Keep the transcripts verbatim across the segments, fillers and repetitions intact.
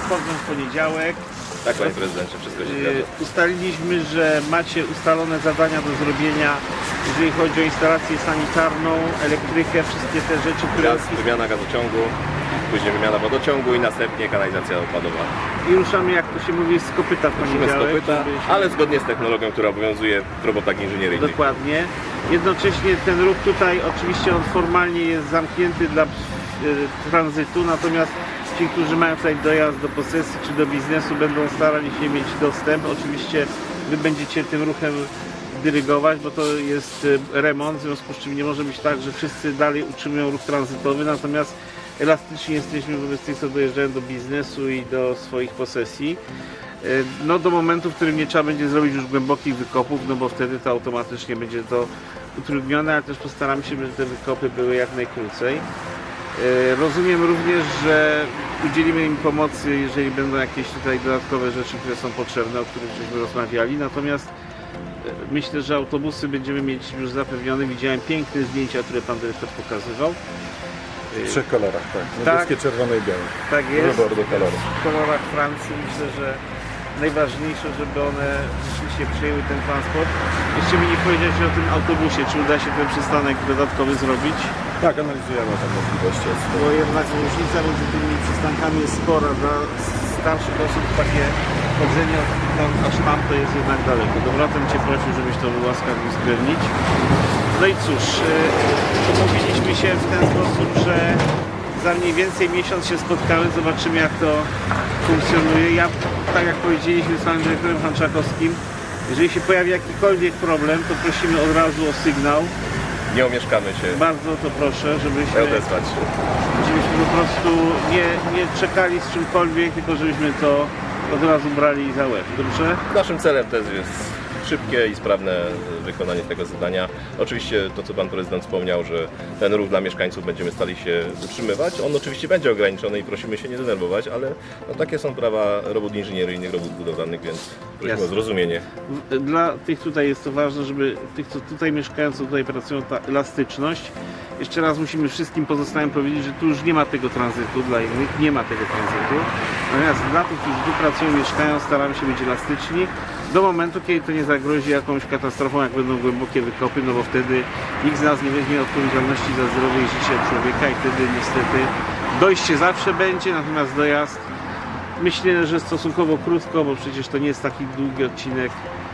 wchodzą w poniedziałek. Tak, panie prezydencie, wszystko się zgadza. Ustaliliśmy, że macie ustalone zadania do zrobienia, jeżeli chodzi o instalację sanitarną, elektrykę, wszystkie te rzeczy, które... Gaz, wymiana gazociągu, później wymiana wodociągu i następnie kanalizacja odpadowa. I ruszamy, jak to się mówi, z kopyta w Musimy z poniedziałek. kopyta, żeby się- ale zgodnie z technologią, która obowiązuje w robotach inżynieryjnych. Dokładnie. Jednocześnie ten ruch tutaj, oczywiście on formalnie jest zamknięty dla e, tranzytu, natomiast ci, którzy mają tutaj dojazd do posesji czy do biznesu, będą starali się mieć dostęp. Oczywiście wy będziecie tym ruchem dyrygować, bo to jest e, remont, w związku z czym nie może być tak, że wszyscy dalej utrzymują ruch tranzytowy, natomiast elastycznie jesteśmy wobec tych, co dojeżdżają do biznesu i do swoich posesji. No do momentu, w którym nie trzeba będzie zrobić już głębokich wykopów, no bo wtedy to automatycznie będzie to utrudnione, ale też postaramy się, żeby te wykopy były jak najkrócej. Rozumiem również, że udzielimy im pomocy, jeżeli będą jakieś tutaj dodatkowe rzeczy, które są potrzebne, o których żeśmy rozmawiali. Natomiast myślę, że autobusy będziemy mieć już zapewnione. Widziałem piękne zdjęcia, które pan dyrektor pokazywał. W trzech kolorach, tak. Niebieskie, Tak. czerwone i białe. Tak jest. Wybór do kolorów. W kolorach Francji myślę, że najważniejsze, żeby one rzeczywiście przejęły ten transport. Jeszcze mi nie powiedziałeś o tym autobusie, czy uda się ten przystanek dodatkowy zrobić? Tak, analizujemy tę możliwość. Jest. Bo jednak różnica między tymi przystankami jest spora. Dla starszych osób takie chodzenie tam aż tam to jest jednak daleko. Dobranoc cię prosił, żebyś to był łaskaw uwzględnić. No i cóż, yy, umówiliśmy się w ten sposób, że za mniej więcej miesiąc się spotkamy, zobaczymy jak to funkcjonuje. Ja, tak jak powiedzieliśmy z panem dyrektorem Hanczakowskim, jeżeli się pojawi jakikolwiek problem, to prosimy od razu o sygnał. Nie omieszkamy się. Bardzo to proszę, żebyśmy, Odezwać się. żebyśmy po prostu nie, nie czekali z czymkolwiek, tylko żebyśmy to od razu brali za łeb. Dobrze? Naszym celem też jest szybkie i sprawne wykonanie tego zadania. Oczywiście to, co pan prezydent wspomniał, że ten ruch dla mieszkańców będziemy stali się utrzymywać. On oczywiście będzie ograniczony i prosimy się nie denerwować, ale no, takie są prawa robót inżynieryjnych, robót budowlanych, więc prosimy Jasne. o zrozumienie. Dla tych tutaj jest to ważne, żeby tych, co tutaj mieszkają, co tutaj pracują, ta elastyczność. Jeszcze raz musimy wszystkim pozostałym powiedzieć, że tu już nie ma tego tranzytu, dla innych nie ma tego tranzytu. Natomiast dla tych, którzy tu pracują, mieszkają, staramy się być elastyczni do momentu, kiedy to nie zagrozi jakąś katastrofą, jak będą głębokie wykopy, no bo wtedy nikt z nas nie weźmie odpowiedzialności za zdrowie i życie człowieka i wtedy niestety dojście zawsze będzie, natomiast dojazd myślę, że stosunkowo krótko, bo przecież to nie jest taki długi odcinek,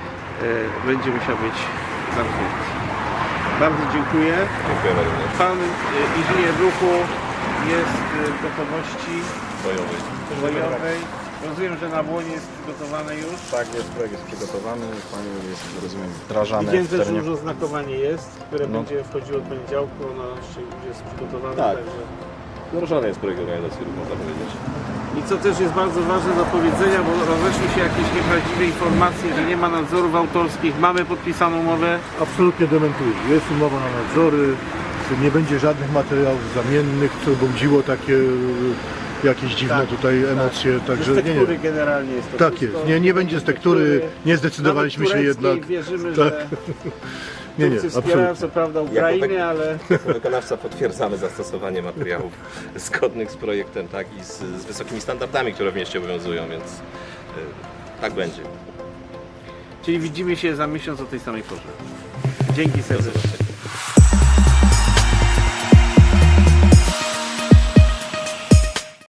e, będzie musiał być zamknięty. Bardzo dziękuję. Dziękujemy również. Pan e, inżynier ruchu jest e, w gotowości Bojowy. bojowej. Rozumiem, że na błonie jest przygotowane już. Tak, jest projekt jest przygotowany, panie jest, rozumiem, wdrażany Widziałem w też, że terenie. już oznakowanie jest, które No. będzie wchodziło od poniedziałku, ono jeszcze już jest przygotowane. Tak. Także... Wdrożony jest projekt organizacji ruchu, można powiedzieć. I co też jest bardzo ważne do powiedzenia, bo rozeszły się jakieś nieprawdziwe informacje, że nie ma nadzorów autorskich. Mamy podpisaną umowę. Absolutnie dementuję. Jest umowa na nadzory, nie będzie żadnych materiałów zamiennych, co budziło takie e, jakieś dziwne Tak, tutaj emocje, także Z nie, tektury nie. generalnie jest to Tak wszystko. jest, nie, nie będzie z tektury, nie zdecydowaliśmy Nawet się tureckiej jednak. Wierzymy, Tak. że Nie, nie, Turcy wspierają absolutnie. co prawda Ukrainę, taki- ale Jako wykonawca potwierdzamy zastosowanie materiałów zgodnych z projektem, tak, i z, z wysokimi standardami, które w mieście obowiązują, więc y, tak będzie. czyli widzimy się za miesiąc o tej samej porze. Dzięki serdecznie.